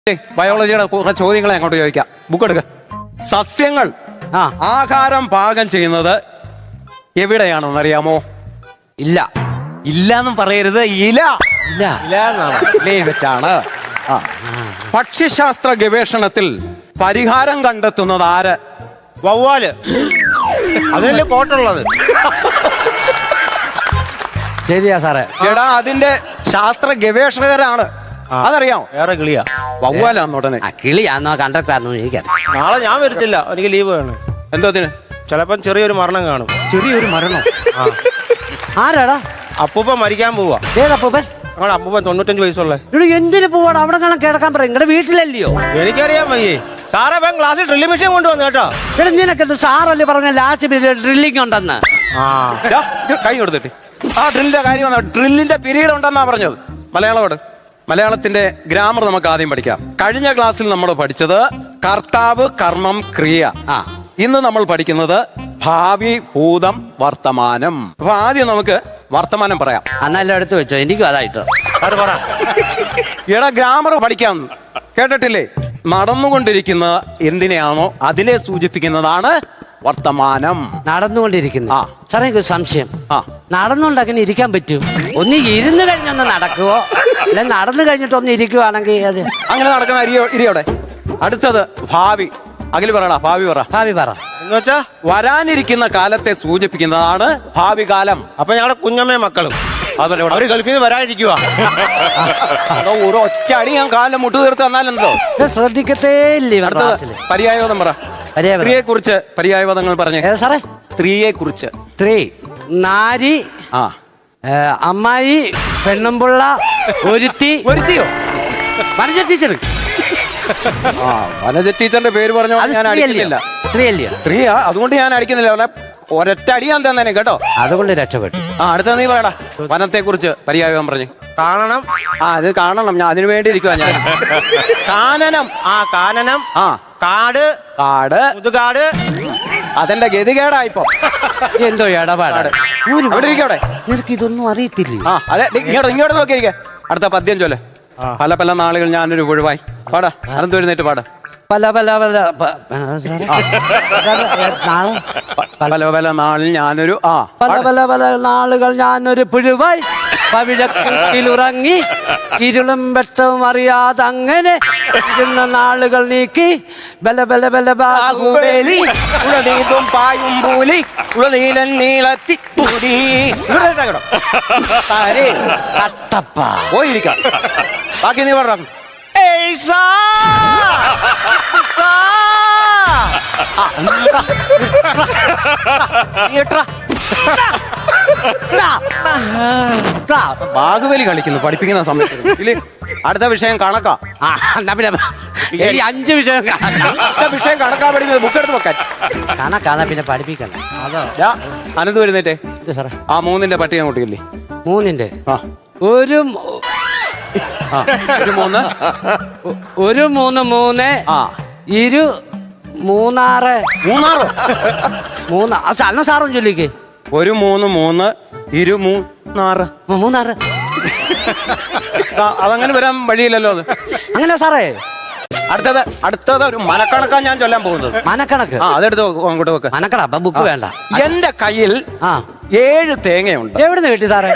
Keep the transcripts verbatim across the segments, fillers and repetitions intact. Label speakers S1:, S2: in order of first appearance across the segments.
S1: ബയോളജിയുടെ കുറെ ചോദ്യങ്ങളെ അങ്ങോട്ട് ചോദിക്കാം. ബുക്ക് എടുക്ക. സസ്യങ്ങൾ
S2: ആ
S1: ആഹാരം പാകം ചെയ്യുന്നത് എവിടെയാണെന്ന് അറിയാമോ?
S2: ഇല്ല
S1: ഇല്ലാന്നും പറയരുത്, ഇല
S2: ഇല്ല
S1: ഇലയിൽ വെച്ചാണ്. ആ ഭക്ഷ്യശാസ്ത്ര ഗവേഷണത്തിൽ പരിഹാരം കണ്ടെത്തുന്നത് ആര്?
S3: വവ്വാല്. അതിനല്ലേ കോട്ടുള്ളത്.
S2: ശരിയാ സാറേ.
S1: എടാ അതിന്റെ ശാസ്ത്ര ഗവേഷകരാണ്, അതറിയാമോ?
S3: വേറെ കിളിയാ,
S1: വവ്വാലാന്ന് ഉടനെ.
S2: ആ കിളിയാന്നോ കണ്ടക്ടറാന്നോ എനിക്കറിയാം.
S3: നാളെ ഞാൻ വരത്തില്ല, എനിക്ക് ലീവ് വേണം.
S1: എന്തോത്തിന്?
S3: ചിലപ്പം ചെറിയൊരു മരണം കാണും.
S1: ചെറിയൊരു മരണം.
S3: ആ
S2: ആരാടാ?
S3: അപ്പൂപ്പ മരിക്കാൻ പോവാ.
S2: ഏതപ്പൂപ്പൻ?
S3: ഞങ്ങളുടെ അപ്പൂപ്പൻ തൊണ്ണൂറ്റഞ്ച് വയസ്സുള്ള.
S2: ഇവിടെ എന്തിനു പോവാണ്? അവിടെ കാണാൻ കിടക്കാൻ പറയും. നിങ്ങളുടെ വീട്ടിലല്ലയോ?
S3: എനിക്കറിയാൻ വയ്യേ സാറേ. ഇപ്പം ക്ലാസ്സിൽ ഡ്രില്ലിംഗ് മെഷീൻ കൊണ്ടുവന്നു കേട്ടോ.
S2: ഇവിടെ നിനക്കെന്ത് സാറല്ലേ പറഞ്ഞ ലാസ്റ്റ് പീരീഡ് ഡ്രില്ലിംഗ് ഉണ്ടെന്ന്?
S3: ആ
S1: ദാ, ഇത് കൈ കൊടുത്തിട്ട് ആ ഡ്രില്ലിന്റെ കാര്യം വന്ന ഡ്രില്ലിന്റെ പീരീഡ് ഉണ്ടെന്നാ പറഞ്ഞത്. മലയാളോട് മലയാളത്തിന്റെ ഗ്രാമർ നമുക്ക് ആദ്യം പഠിക്കാം. കഴിഞ്ഞ ക്ലാസ്സിൽ നമ്മൾ പഠിച്ചത് കർത്താവ്, കർമ്മം, ക്രിയ.
S2: ആ
S1: ഇന്ന് നമ്മൾ പഠിക്കുന്നത് ഭാവി, ഭൂതം, വർത്തമാനം. അപ്പൊ ആദ്യം നമുക്ക് വർത്തമാനം പറയാം.
S2: അന്നെല്ലാം എടുത്ത് വെച്ചോ, എനിക്കും അതായിട്ട്.
S3: അത് പറ.
S1: എടാ ഗ്രാമർ പഠിക്കാം, കേട്ടിട്ടില്ലേ? നടന്നുകൊണ്ടിരിക്കുന്ന എന്തിനെയാണോ അതിനെ സൂചിപ്പിക്കുന്നതാണ് വർത്തമാനം.
S2: നടന്നുകൊണ്ടിരിക്കുന്നു.
S1: ആ.
S2: സാറേ എനിക്ക് ഒരു സംശയം.
S1: ആ
S2: നടന്നുകൊണ്ട് അങ്ങനെ ഇരിക്കാൻ പറ്റും? ഒന്ന് ഇരുന്ന് കഴിഞ്ഞൊന്ന് നടക്കുവോ, അല്ലെ നടന്നു കഴിഞ്ഞിട്ട് ഒന്ന് ഇരിക്കുവാണെങ്കിൽ അത്
S1: അങ്ങനെ നടക്കുന്ന അരിയോ ഇരിയോടെ. അടുത്തത് ഭാവി. അഖിൽ പറയടാ, ഭാവി പറ.
S2: ഭാവി പറ.
S3: എന്ന് വെച്ചാ
S1: വരാനിരിക്കുന്ന കാലത്തെ സൂചിപ്പിക്കുന്നതാണ് ഭാവി കാലം.
S3: അപ്പൊ ഞങ്ങളുടെ കുഞ്ഞമ്മയും മക്കളും
S1: അതുപോലെ ഇവിടെ
S3: അവര് ഗൾഫിൽ നിന്ന് വരാനിരിക്കുക.
S1: അതോ ഒരു ഒറ്റ അടി ഞാൻ കാലം മുട്ടു തീർത്ത് തന്നാലുണ്ടല്ലോ.
S2: ഇത് ശ്രദ്ധിക്കത്തേ ഇല്ലേ
S1: അടുത്തത്
S2: ക്ലാസ്സില്?
S1: പര്യായപദം പറ.
S2: പര്യായപദം.
S1: സ്ത്രീയെ കുറിച്ച് പര്യായപദങ്ങൾ പറഞ്ഞേ.
S2: ഏതാ സാറേ?
S1: സ്ത്രീയെ കുറിച്ച്.
S2: സ്ത്രീ, നാരി,
S1: ആ
S2: ഏ, അമ്മായി, പെണ്ണുമ്പുള്ള, ഒരുത്തി.
S1: ഒരുത്തിയോ?
S2: വനജ ടീച്ചർ.
S1: ആ വനജ ടീച്ചറിന്റെ പേര് പറഞ്ഞോ
S2: അത്
S1: ഞാൻ അടിക്കുന്നില്ല.
S2: സ്ത്രീ അല്ലയോ?
S1: സ്ത്രീയാ, അതുകൊണ്ട് ഞാൻ അടിക്കുന്നില്ല. അവനെ ഒരൊറ്റ അടി ഞാൻ തന്നെ കേട്ടോ.
S2: അതുകൊണ്ട് രക്ഷപ്പെട്ടു.
S1: ആ അടുത്ത നീ പറയടാ, വനത്തെ കുറിച്ച് പര്യായപദം പറഞ്ഞു.
S3: കാണണം.
S1: ആ അത് കാണണം, ഞാൻ അതിനു വേണ്ടി ഇരിക്കുവാ ഞാൻ. കാനനം.
S3: ആ കാനനം.
S1: ആ
S3: കാട്.
S1: കാട്.
S3: മുതുകാട്.
S1: അതെന്റെ ഗതികേടായിപ്പോ.
S2: എന്തോ ഇടപാടാണ്.
S1: അവിടെ ഇരിക്കവിടെ.
S2: നിനക്ക് ഇതൊന്നും അറിയത്തില്ലേ?
S1: ആ അതെ, ഇങ്ങോട്ട് ഇങ്ങോട്ട് നോക്കിയിരിക്കെ. അടുത്ത പദ്യം ചൊല്ല്. പല പല നാളുകൾ ഞാനൊരു പുഴുവായി. പാടാ, അനന്ത് എഴുന്നേറ്റ് പാടാ.
S2: പല പല പല പ- ആ, സാറേ. നാളെ
S1: പല പല നാളിൽ ഞാനൊരു ആ
S2: പല പല പല നാളുകൾ ഞാനൊരു പുഴുവായി പവിഴക്കുട്ടിലുറങ്ങി ഇരുളും വെട്ടവും അറിയാതെ അങ്ങനെ ഇരുന്ന നാളുകൾ നീക്കി ബല ബല ബല ബാഹുബലി
S1: ഉളനീതും പായും പൂലി ഉളനീലൻ നീളത്തി പൂരി. ഇവിടെ ഇരുന്നാ കേട്ടോ. ആരേ?
S2: കട്ടപ്പ.
S1: പോയിരിക്കാം. ബാക്കി നീ പറഞ്ഞ
S3: ഏയ് സാ. സാ.
S1: ബാഹുബലി കളിക്കുന്നു പഠിപ്പിക്കുന്ന സമയത്ത്. ഇല്ലേ? അടുത്ത വിഷയം കണക്കാ.
S2: ആ, എന്നാ പിന്നെ ഈ അഞ്ച് വിഷയം
S1: അടുത്ത വിഷയം കണക്കാ പഠിക്കുന്നത്. ബുക്ക് എടുത്ത് വെക്കാൻ.
S2: കണക്കാന്നാ പിന്നെ പഠിപ്പിക്കണം. അതോ
S1: ദാ, അനന്ത് വരുന്നേറ്റേ.
S2: ഇത് സാറേ
S1: ആ മൂന്നിന്റെ പട്ടിക അങ്ങോട്ടില്ലേ?
S2: മൂന്നിന്റെ
S1: ആ
S2: ഒരു മൂ-
S1: ആ, ഒരു മൂന്ന്.
S2: ഒ- ഒരു മൂന്ന് മൂന്ന്
S1: ആ
S2: ഇരു മൂന്നാറ്
S1: മൂന്നാറോ?
S2: മൂന്ന് അന്ന സാറും ചൊല്ലിക്ക്.
S1: ഒരു മൂന്ന് മൂന്ന് ഇരു മൂന്നാറ്.
S2: മൂ- മൂന്നാറ്
S1: ആ, അതങ്ങനെ വരാൻ വഴിയില്ലല്ലോ അത്.
S2: അങ്ങനെ സാറേ.
S1: അടുത്തത് അടുത്തത് ഒരു മനക്കണക്കാണ് ഞാൻ ചൊല്ലാൻ പോകുന്നത്.
S2: മനക്കണക്ക്.
S1: ആ അതെടുത്ത് വെക്ക്, അങ്ങോട്ട് വെക്ക്.
S2: മനക്കട അപ്പൊ ബുക്ക് വേണ്ട.
S1: എന്റെ കയ്യിൽ
S2: ആ
S1: ഏഴ് തേങ്ങയുണ്ട്.
S2: എവിടുന്ന് കിട്ടി സാറേ?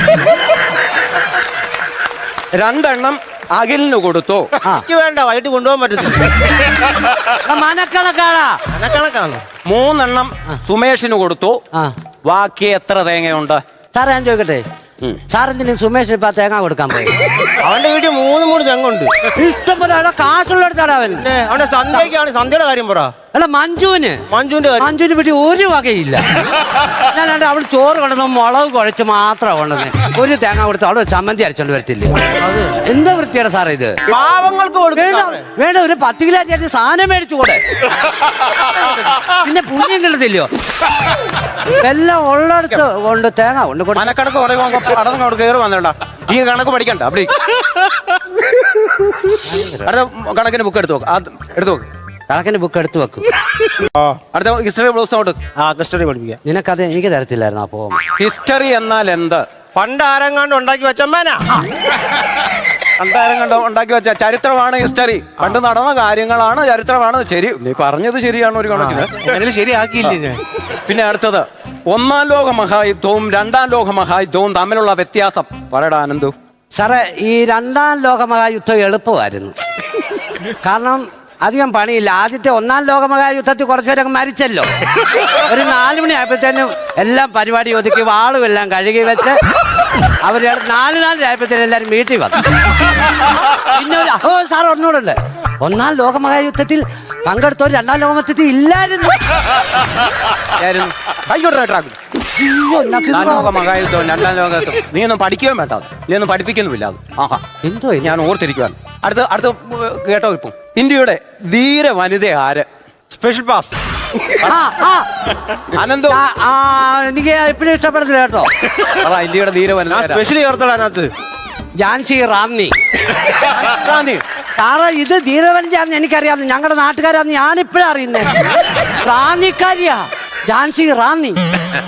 S1: രണ്ടെണ്ണം അഖിലിന് കൊടുത്തു.
S2: ആ
S3: എനിക്ക് വേണ്ട, വൈകിട്ട് കൊണ്ടുപോകാൻ പറ്റത്തില്ല.
S2: മനക്കണക്കാടാ.
S3: കണക്കാണ്.
S1: മൂന്നെണ്ണം സുമേഷിന് കൊടുത്തു.
S2: ആ
S1: ബാക്കി എത്ര തേങ്ങയുണ്ട്?
S2: സാറേ ഞാൻ ചോദിക്കട്ടെ,
S1: ഉം.
S2: സാറെന്തിനും സുമേഷിന് ഇപ്പൊ തേങ്ങ കൊടുക്കാൻ പോയി?
S3: അവന്റെ വീട്ടിൽ മൂന്ന് മൂന്ന് തെങ്ങുണ്ട്.
S2: ഇഷ്ടം പോലെ അവിടെ കാശുള്ളടുത്താണ് അവൻ.
S3: പിന്നെ അവന്റെ സന്ധ്യക്കാണ്. സന്ധ്യയുടെ കാര്യം പറ.
S2: അല്ല മഞ്ജുവിന്
S3: മഞ്ജുവിന്റെ കാര്യം.
S2: മഞ്ജുവിന് വീട്ടിൽ ഒരു വകയില്ല. ഞാനാണ്ട് അവൾ ചോറ് കൊണ്ടുവന്ന് മുളക് കുഴച്ച് മാത്രമാണ് കൊണ്ടുവന്ന്. ഒരു തേങ്ങ കൊടുത്ത് അവിടെ ചമ്മന്തി അരച്ചോണ്ട് വരത്തില്ലേ? എന്താ വൃത്തിയാണ് സാറേ ഇത്?
S3: പാവങ്ങൾക്ക്
S2: വേണ്ട
S3: കൊടുക്കണം.
S2: വേണ്ട, ഒരു പത്ത് കിലോ ചേർത്ത് സാധനം മേടിച്ചു കൂടെ. പിന്നെ പുണ്യം കിട്ടത്തില്ലയോ? എല്ലാം ഉള്ളടത്ത് കൊണ്ട് തേങ്ങ കൊണ്ട് കൊടു-
S1: മനക്കണക്ക് പറയുമ്പോ അടന്ന് അവിടെ കയറി വന്നേട്ടാ. ഈ കണക്ക് പഠിക്കണ്ട. അവിടെ അടുത്ത കണക്കിന് ബുക്ക് എടുത്തു നോക്ക്. അത് എടുത്തു നോക്ക്.
S2: കണക്കിന് ബുക്ക് എടുത്ത് വെക്കും.
S1: അടുത്ത ഹിസ്റ്ററി ബ്ലൗസ് ഔട്ട്.
S3: ആ ഹിസ്റ്ററി പഠിപ്പിക്കാം.
S2: നിനക്കത് എനിക്ക് തരത്തില്ലായിരുന്നു. അപ്പോ
S1: ഹിസ്റ്ററി എന്നാൽ എന്ത്?
S3: പണ്ട് ആരെങ്ങാണ്ട് ഉണ്ടാക്കി വെച്ചമ്മേനാ.
S1: അന്താരം കണ്ടോ ഉണ്ടാക്കി വെച്ച ചരിത്രമാണ് ഹിസ്റ്ററി. പണ്ട് നടന്ന കാര്യങ്ങളാണ് ചരിത്രമാണ്. ശരി, നീ പറഞ്ഞത് ശരിയാണ് ഒരു കണക്കിന്.
S3: അങ്ങനെ ശരിയാക്കിയില്ലേ ഞാൻ?
S1: പിന്നെ അടുത്തത്, ഒന്നാം ലോക മഹായുദ്ധവും രണ്ടാം ലോക മഹായുദ്ധവും തമ്മിലുള്ള വ്യത്യാസം പറയടാ ആനന്ദു.
S2: സാറേ, ഈ രണ്ടാം ലോകമഹായുദ്ധം എളുപ്പമായിരുന്നു. കാരണം അധികം പണിയില്ല. ആദ്യത്തെ ഒന്നാം ലോകമഹായുദ്ധത്തിൽ കുറച്ചു പേരൊക്കെ മരിച്ചല്ലോ. ഒരു നാല് മണി ആയപ്പോഴത്തേനും എല്ലാം പരിപാടി ഒതുക്കി വാളും എല്ലാം കഴുകി വെച്ച് അവർ നാല് നാല് ആയപ്പോഴത്തേനും എല്ലാവരും വീട്ടിൽ വന്നു. പിന്നെ ഒരു ഓ സാർ ഒന്നുകൂടല്ലേ, ഒന്നാം ലോകമഹായുദ്ധത്തിൽ പങ്കെടുത്തവർ രണ്ടാം ലോകമഹായുദ്ധത്തിൽ ഇല്ലായിരുന്നു.
S1: അയ്യോ, ഒന്നാം ലോക മഹായുദ്ധവും രണ്ടാം ലോകത്തും നീ ഒന്നും പഠിക്കുകയും വേണ്ട, നീ ഒന്നും പഠിപ്പിക്കുന്നുമില്ല അത്. ആഹാ,
S2: എന്തോ
S1: ഞാൻ ഓർത്തിരിക്കുവാണ്. അടുത്ത അടുത്ത കേട്ടോ, ഇപ്പം ഇന്ത്യയുടെ ധീര വനിത ആര്?
S3: Special pass.
S2: ആ, ആ.
S1: അനന്തോ?
S2: ആ, ആ, എനിക്ക് എപ്പോഴും ഇഷ്ടപ്പെടുന്നില്ല കേട്ടോ.
S1: അതാ ഇന്ത്യയുടെ ധീര വനിത
S3: ഞാൻ
S1: ആരാ?
S3: സ്പെഷ്യലി ചേർത്തടാ അതിനകത്ത്.
S2: ഝാൻസി റാന്നി.
S1: ഗാന്ധി.
S2: സാറേ, ഇത് ധീരവനിതയാന്ന് എനിക്കറിയാം. ഞങ്ങളുടെ നാട്ടുകാരാന്ന് ഞാനിപ്പോഴാ അറിയുന്നേ. റാന്നിക്കാരിയാ ഝാൻസി റാന്നി.